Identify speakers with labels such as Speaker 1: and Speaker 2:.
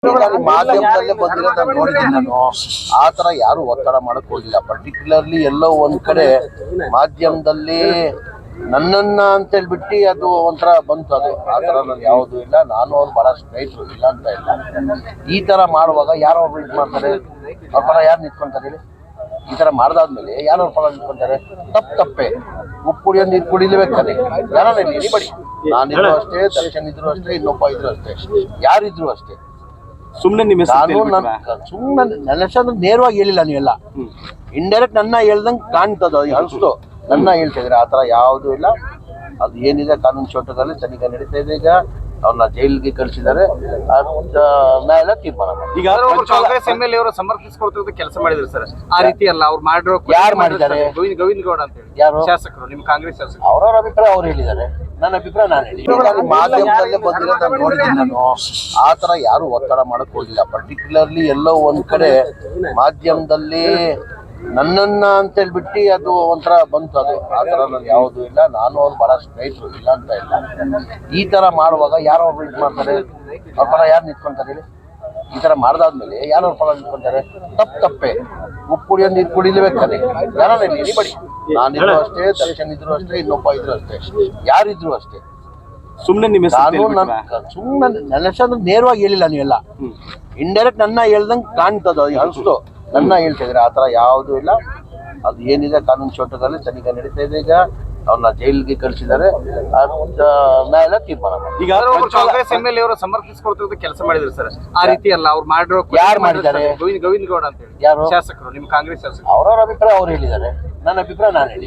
Speaker 1: ಮಾಧ್ಯಮದಲ್ಲೇ ಬಂದಿರೋದು ನಾನು ನೋಡಿದ್ದೀನಿ. ನಾನು ಆ ತರ ಯಾರು ಒತ್ತಡ ಮಾಡಕ್ ಹೋಗಿಲ್ಲ. ಪರ್ಟಿಕ್ಯುಲರ್ಲಿ ಎಲ್ಲೋ ಒಂದ್ ಕಡೆ ಮಾಧ್ಯಮದಲ್ಲಿ ನನ್ನನ್ನ ಅಂತ ಹೇಳ್ಬಿಟ್ಟು ಅದು ಒಂಥರ ಬಂತು. ಅದು ಆ ತರ ನಾನು ಯಾವುದು ಇಲ್ಲ. ನಾನು ಅವ್ರು ಬಹಳ ಸ್ನೇಹಿತರು, ಇಲ್ಲ ಅಂತ ಇಲ್ಲ. ಈ ತರ ಮಾಡುವಾಗ ಯಾರು ಒಬ್ರು ಇದು ಮಾಡ್ತಾರೆ, ಅವ್ರ ಪರ ಯಾರು ನಿಂತ್ಕೊಂತಾರೆ ಹೇಳಿ? ಈ ತರ ಮಾಡ್ದಾದ್ಮೇಲೆ ಯಾರು ಅವ್ರ ಪರ ನಿಂತ್ಕೊಂತಾರೆ? ತಪ್ಪೇ. ಉಪ್ಪು ಕುಡಿಯೋ ನೀರು ಕುಡಿಲೇಬೇಕಾದ್ರೆ ಯಾರು ಎನಿಬಡಿ, ನಾನಿದ್ರು ಅಷ್ಟೇ, ದರ್ಶನ್ ಇದ್ರು ಅಷ್ಟೇ, ಇನ್ನೊಬ್ಬ ಇದ್ರು ಅಷ್ಟೇ, ಯಾರಿದ್ರು ಅಷ್ಟೇ.
Speaker 2: ಸುಮ್ಮನೆ ನಿಮ್ಮ
Speaker 1: ಸುಮ್ಮನೆ ನನ್ನ ಹೆಸರು ನೇರವಾಗಿ ಹೇಳಿಲ್ಲ. ನೀವೆಲ್ಲ ಇಂಡೈರೆಕ್ಟ್ ನನ್ನ ಹೇಳ್ದಂಗೆ ಕಾಣ್ತದ, ಅನಿಸ್ತು. ನನ್ನ ಹೇಳ್ತಿದ್ರೆ ಆ ಥರ ಯಾವುದೂ ಇಲ್ಲ. ಅದು ಏನಿದೆ ಕಾನೂನು ಚೌಕಟ್ಟಲ್ಲಿ ತನಿಖೆ ನಡೀತಾ ಇದೆ. ಈಗ ಅವ್ರನ್ನ ಜೈಲಿಗೆ ಕಳಿಸಿದ್ದಾರೆ. ನ್ಯಾಯಾಲಯ ತೀರ್ಮಾನ ಮಾಡಿ.
Speaker 2: ಈಗ ಕಾಂಗ್ರೆಸ್ MLA ಅವರು ಸಮರ್ಥಿಸಿಕೊಡ್ತಿರೋದು ಕೆಲಸ ಮಾಡಿದ್ರು ಸರ್. ಆ ರೀತಿ ಅಲ್ಲ ಅವ್ರು ಮಾಡಿರೋ.
Speaker 1: ಯಾರು ಮಾಡಿದ್ದಾರೆ?
Speaker 2: ಗೋವಿಂದ ಗೌಡ ಅಂತ ಹೇಳಿ
Speaker 1: ಯಾರು
Speaker 2: ಶಾಸಕರು, ನಿಮ್ಮ ಕಾಂಗ್ರೆಸ್ ಶಾಸಕರು.
Speaker 1: ಅವ್ರವ್ರ ಅಭಿಪ್ರಾಯ ಅವ್ರು ಹೇಳಿದ್ದಾರೆ. ನನ್ನ ಅಭಿಪ್ರಾಯ ನಾನು ಹೇಳಿ. ಮಾಧ್ಯಮದಲ್ಲೇ ಬಂದಿರೋದು ನಾನು ನೋಡಿದ್ದೀನಿ. ನಾನು ಆ ಥರ ಯಾರು ಒತ್ತಡ ಮಾಡಕ್ ಹೋಗಿಲ್ಲ. ಪರ್ಟಿಕ್ಯುಲರ್ಲಿ ಎಲ್ಲೋ ಒಂದ್ ಕಡೆ ಮಾಧ್ಯಮದಲ್ಲಿ ನನ್ನನ್ನ ಅಂತ ಹೇಳ್ಬಿಟ್ಟು ಅದು ಒಂಥರ ಬಂತು. ಅದು ಆ ಥರ ನಾನು ಯಾವುದೂ ಇಲ್ಲ. ನಾನು ಅವ್ರು ಬಹಳ ಸ್ನೇಹಿತರು, ಇಲ್ಲ ಅಂತ ಇಲ್ಲ. ಈ ತರ ಮಾಡುವಾಗ ಯಾರು ಒಬ್ರು ಇದು ಮಾಡ್ತಾರೆ, ಅವ್ರ ಪರ ಯಾರು ನಿಂತ್ಕೊಂತಾರೆ ಹೇಳಿ? ಈ ತರ ಮಾಡ್ದಾದ್ಮೇಲೆ ಯಾರು ಅವ್ರ ಪರ ನಿಂತ್ಕೊಂತಾರೆ? ತಪ್ಪೇ. ಉಪ್ಪು ಕುಡಿಯೋ ನೀರು ಕುಡಿಲೇಬೇಕಾದ್ರೆ ಯಾರು ಎನಿಬಡಿ, ನಾನಿದ್ರು ಅಷ್ಟೇ, ದರ್ಶನ್ ಇದ್ರು ಅಷ್ಟೇ, ಇನ್ನೊಬ್ಬ ಇದ್ರು ಅಷ್ಟೇ, ಯಾರಿದ್ರು ಅಷ್ಟೇ.
Speaker 2: ಸುಮ್ಮನೆ ನಿಮ್ಮ
Speaker 1: ಸುಮ್ಮನೆ ನನ್ನ ಹೆಸರು ನೇರವಾಗಿ ಹೇಳಿಲ್ಲ. ನೀವೆಲ್ಲ ಇಂಡೈರೆಕ್ಟ್ ನನ್ನ ಹೇಳ್ದಂಗೆ ಕಾಣ್ತದ, ಅನಿಸ್ತು. ನನ್ನ ಹೇಳ್ತಿದ್ರೆ ಆ ಥರ ಯಾವುದೂ ಇಲ್ಲ. ಅದು ಏನಿದೆ ಕಾನೂನು ಚೌಕಟ್ಟಲ್ಲಿ ತನಿಖೆ ನಡೀತಾ ಇದೆ. ಈಗ ಅವ್ರನ್ನ ಜೈಲಿಗೆ ಕಳಿಸಿದ್ದಾರೆ. ನ್ಯಾಯಾಲಯ ತೀರ್ಮಾನ ಮಾಡಿ.
Speaker 2: ಈಗ ಕಾಂಗ್ರೆಸ್ MLA ಅವರು ಸಮರ್ಥಿಸಿಕೊಡ್ತಿರೋದು ಕೆಲಸ ಮಾಡಿದ್ರು ಸರ್. ಆ ರೀತಿ ಅಲ್ಲ ಅವ್ರು ಮಾಡಿರೋ.
Speaker 1: ಯಾರು ಮಾಡಿದ್ದಾರೆ?
Speaker 2: ಗೋವಿಂದ ಗೌಡ ಅಂತ ಹೇಳಿ
Speaker 1: ಯಾರು
Speaker 2: ಶಾಸಕರು, ನಿಮ್ಮ ಕಾಂಗ್ರೆಸ್ ಶಾಸಕರು.
Speaker 1: ಅವ್ರವ್ರ ಅಭಿಪ್ರಾಯ ಅವ್ರು ಹೇಳಿದ್ದಾರೆ. ನನ್ನ ಅಭಿಪ್ರಾಯ ನಾನು ಹೇಳಿ.